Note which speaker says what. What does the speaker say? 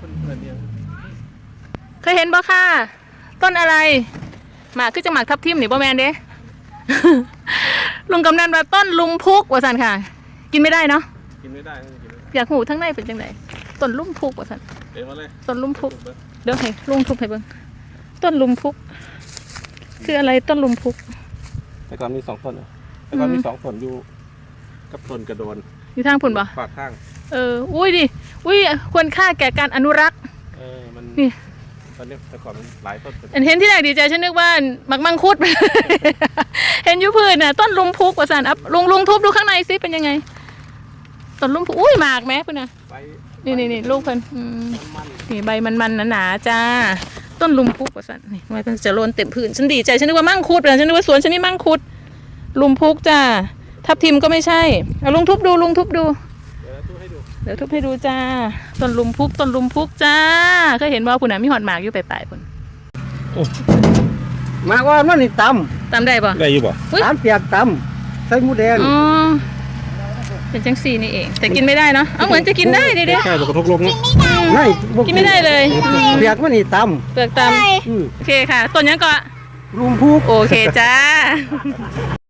Speaker 1: เคยเห็นบ่ค่ะต้นอะไรหมากคือจังหมากทับทิมนี่บ่แมนเด้ ลุงกำนันว่าต้นลุมพุกว่าสันค่ะ กินไม่ได้เนาะ
Speaker 2: กินไม่ได้
Speaker 1: อยากหูทั้งในเป็นจังไดต้นลุมพุกว่าสันต้นลุมพุกเดี๋ยวให้ลุงทุบให้เบิ่งต้นลุมพุกคืออะไรต้นลุมพุก
Speaker 2: แต่ก่อนมี2 ต้นแต่ก่อนมี2 ต้นอยู่กับต้นกระโดน
Speaker 1: อยู่ทางพุ่นบ่
Speaker 2: ฝากข้าง
Speaker 1: อุ้ยดิอุ้ยควรค่าแก่การอนุรักษ์
Speaker 2: มัน
Speaker 1: นี่
Speaker 2: ตอนนี้แต่ก่อนมันหลายต้น
Speaker 1: เห็นที่ไหนดีใจฉันนึกว่ามังคุด เห็นยุพืชน่ะต้นลุมพุกว่าสันอัพลุงทุบดูข้างในซิเป็นยังไงต้นลุมพุกอุ้ยหมากแม่พุ่นน่ะนี่ลูกเพิ่นนี่ใบมันหนาๆจ้าต้นลุมพุกว่าสันนี่มันจะโรนเต็มพื้นฉันดีใจฉันนึกว่ามังคุดฉันนึกว่าสวนฉันนี่มังคุดลุมพุกจ้าทับทิมก็ไม่ใช่เอาลุงทุบดูเดี๋ยวทุบให้ดูจ้าต้นลุมพุกจ้าเคยเห็นว่าพุ่นน่ะมีหอดหมากอยู่ปลายๆพุ่น
Speaker 3: หมากว่ามันนี่ต
Speaker 1: ำได้ป่ะ
Speaker 2: ได้อยู่ป่ะ
Speaker 3: ตำเปียกตำใส่หมูแดง
Speaker 1: เป็นจังสีนี่เองแต่กินไม่ได้เนาะเอาเหมือนจะกินได้ดิ
Speaker 2: แค่กระทบลม
Speaker 3: ไม่
Speaker 1: กินไม่ได้เลย
Speaker 3: เปียกมันนี่ตำ
Speaker 1: เปลือกตำโอเคค่ะต้นยังก็
Speaker 3: ลุมพุก
Speaker 1: โอเคจ้า